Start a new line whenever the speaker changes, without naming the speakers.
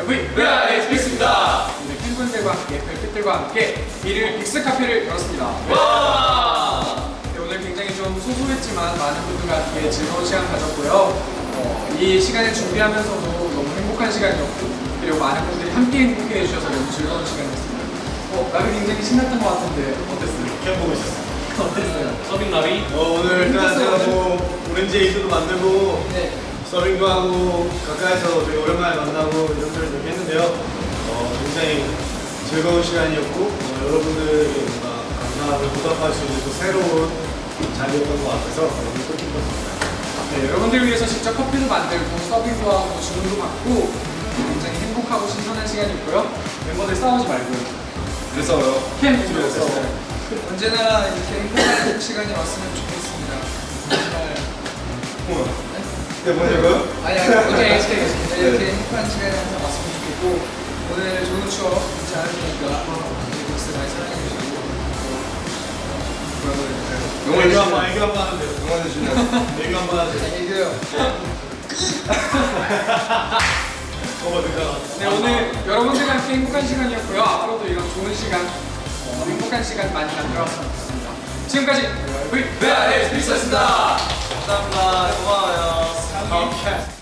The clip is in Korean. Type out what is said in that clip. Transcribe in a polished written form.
네, 빅스입니다.
오늘 팬분들과 함께 별빛들과 함께 비를 빅스 카페를 열었습니다.
와!
네, 오늘 굉장히 좀 소소했지만 많은 분들과 함께 즐거운 시간 가졌고요. 이 시간을 준비하면서도 너무 행복한 시간이었고 그리고 많은 분들이 함께 행복해 해주셔서 너무 즐거운 시간이었습니다. 나비 굉장히 신났던 것 같은데 어땠어요?
캠 보고 있었어.
어땠어요?
서빙 나비.
오늘 일단 제가 뭐 오렌지 에이드도 만들고
네.
서빙도 하고 가까이서 되게 오랜만에 만나고 이런 걸 이렇게 했는데요. 굉장히 즐거운 시간이었고 여러분들에게 뭔가 감사함을 보답할 수 있는 또 새로운 자리였던 것 같아서 너무 뜻깊었습니다.
네, 여러분들 위해서 직접 커피도 만들고 서빙도 하고 주문도 받고 굉장히 행복하고 신선한 시간이었고요. 멤버들 싸우지 말고요.
그래서요.
캠 준비했어요. 언제나 이렇게 행복한 시간이 왔으면 좋겠습니다. 정말
네, 뭐냐고요?
아니 어제 이렇게 행복한 시간이 항상 왔으면 좋겠고 오늘 좋은 추억 잊지 않으시니까 빅스 많이 사랑해주시고
애교 한번 하면 돼요. 응원해 주시면 애교 한번 하세요.
얘기해요. 네, 오늘 여러분들과 함께 행복한 시간이었고요. 앞으로도 이런 좋은 시간, 행복한 시간 많이 만들어왔으면 좋겠습니다. 지금까지
네, 빅스였습니다. 감사합니다. 고마워요.
다음 캐스트